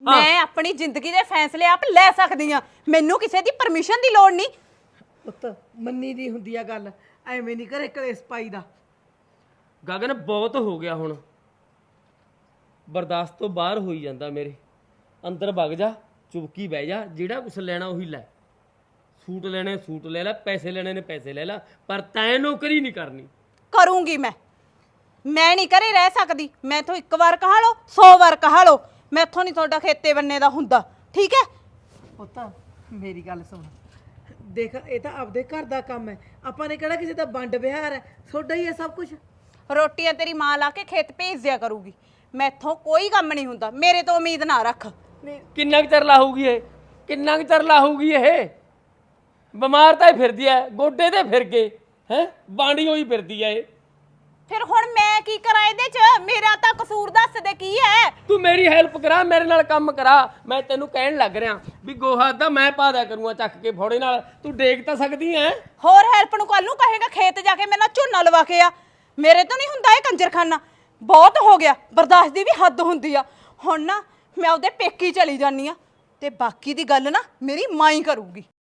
ਮੈਂ ਆਪਣੀ ਜ਼ਿੰਦਗੀ ਦੇ ਫੈਸਲੇ ਆਪ ਲੈ ਸਕਦੀ ਆ, ਮੈਨੂੰ ਕਿਸੇ ਦੀ ਪਰਮਿਸ਼ਨ ਦੀ ਲੋੜ ਨਹੀਂ। ਪੁੱਤ ਮੰਨੀ ਦੀ ਹੁੰਦੀ ਆ ਗੱਲ, ਐਵੇਂ ਨਹੀਂ ਘਰੇ ਕਲੇਸ਼ ਪਾਈ ਦਾ। ਗਗਨ ਬਹੁਤ ਹੋ ਗਿਆ ਹੁਣ, ਬਰਦਾਸ਼ਤ ਤੋਂ ਬਾਹਰ ਹੋਈ ਜਾਂਦਾ ਮੇਰੇ। ਅੰਦਰ ਵਗ ਜਾ, ਚੁਪਕੀ ਬਹਿ ਜਾ, ਜਿਹੜਾ ਕੁਛ ਲੈਣਾ ਉਹੀ ਲੈ। ਸੂਟ ਲੈਣੇ ਸੂਟ ਲੈ ਲੈ, ਪੈਸੇ ਲੈਣੇ ਨੇ ਪੈਸੇ ਲੈ ਲੈ, ਪਰ ਤੈਂ ਨੌਕਰੀ ਨਹੀਂ ਕਰਨੀ। ਕਰੂੰਗੀ ਮੈਂ ਨਹੀਂ ਘਰੇ ਰਹਿ ਸਕਦੀ। ਮੈਥੋਂ ਇੱਕ ਵਾਰ ਕਹਾ ਲਓ 100 ਵਾਰ ਕਹਾ ਲਓ, ਮੈਥੋਂ ਨਹੀਂ ਤੁਹਾਡਾ ਖੇਤੇ ਬੰਨੇ ਦਾ ਹੁੰਦਾ, ਠੀਕ ਹੈ? ਪੁੱਤ ਮੇਰੀ ਗੱਲ ਸੁਣ, ਦੇਖ ਇਹ ਤਾਂ ਆਪਦੇ ਘਰ ਦਾ ਕੰਮ ਹੈ, ਆਪਾਂ ਨੇ ਕਿਹੜਾ ਕਿਸੇ ਦਾ ਵੰਡ ਵਿਹਾਰ ਹੈ, ਤੁਹਾਡਾ ਹੀ ਹੈ ਸਭ ਕੁਝ। ਰੋਟੀਆਂ ਤੇਰੀ ਮਾਂ ਲਾ ਕੇ ਖੇਤ ਭੇਜ ਦਿਆ ਕਰੂਗੀ, ਮੈਥੋਂ ਕੋਈ ਕੰਮ ਨਹੀਂ ਹੁੰਦਾ, ਮੇਰੇ ਤੋਂ ਉਮੀਦ ਨਾ ਰੱਖ। ਕਿੰਨਾ ਕੁ ਚਿਰ ਲਾਹੂਗੀ ਇਹ, ਕਿੰਨਾ ਕੁ ਚਿਰ ਲਾਹੂਗੀ ਇਹ? ਬਿਮਾਰ ਤਾਂ ਇਹ ਫਿਰਦੀ ਐ, ਗੋਡੇ ਤੇ ਫਿਰ ਗਏ ਹੈ, ਬਾਂਡੀ ਹੋਈ ਫਿਰਦੀ ਐ ਇਹ। ਫਿਰ ਹੁਣ ਮੈਂ ਕੀ ਕਰਾਂ ਇਹਦੇ 'ਚ? ਮੇਰਾ ਤਾਂ ਕਸੂਰ ਦੱਸ ਦੇ ਕੀ ਹੈ? ਤੂੰ ਮੇਰੀ ਹੈਲਪ ਕਰਾ, ਮੇਰੇ ਨਾਲ ਕੰਮ ਕਰਾ। ਮੈਂ ਤੈਨੂੰ ਕਹਿਣ ਲੱਗ ਰਿਹਾ ਵੀ ਗੋਹਾ ਦਾ ਮੈਂ ਪਾ ਦਿਆ ਕਰੂੰਗਾ ਚੱਕ ਕੇ ਫੋੜੇ ਨਾਲ, ਤੂੰ ਡੇਕ ਤਾਂ ਸਕਦੀ ਐ। ਹੋਰ ਹੈਲਪ ਨੂੰ ਕੱਲ ਨੂੰ ਕਹੇਗਾ ਖੇਤ ਜਾ ਕੇ ਮੇਰੇ ਨਾਲ ਝੋਨਾ ਲਵਾ ਕੇ ਆ, ਮੇਰੇ ਤੋਂ ਨਹੀਂ ਹੁੰਦਾ ਇਹ ਕੰਜਰਖਾਨਾ। ਬਹੁਤ ਹੋ ਗਿਆ, ਬਰਦਾਸ਼ਤ ਦੀ ਵੀ ਹੱਦ ਹੁੰਦੀ ਆ। ਹੁਣ ਨਾ ਮੈਂ ਉਹਦੇ ਪੇਕੀ ਚਲੀ ਜਾਨੀ ਆ, ਤੇ ਬਾਕੀ ਦੀ ਗੱਲ ਨਾ ਮੇਰੀ ਮਾਂ ਹੀ ਕਰੂਗੀ।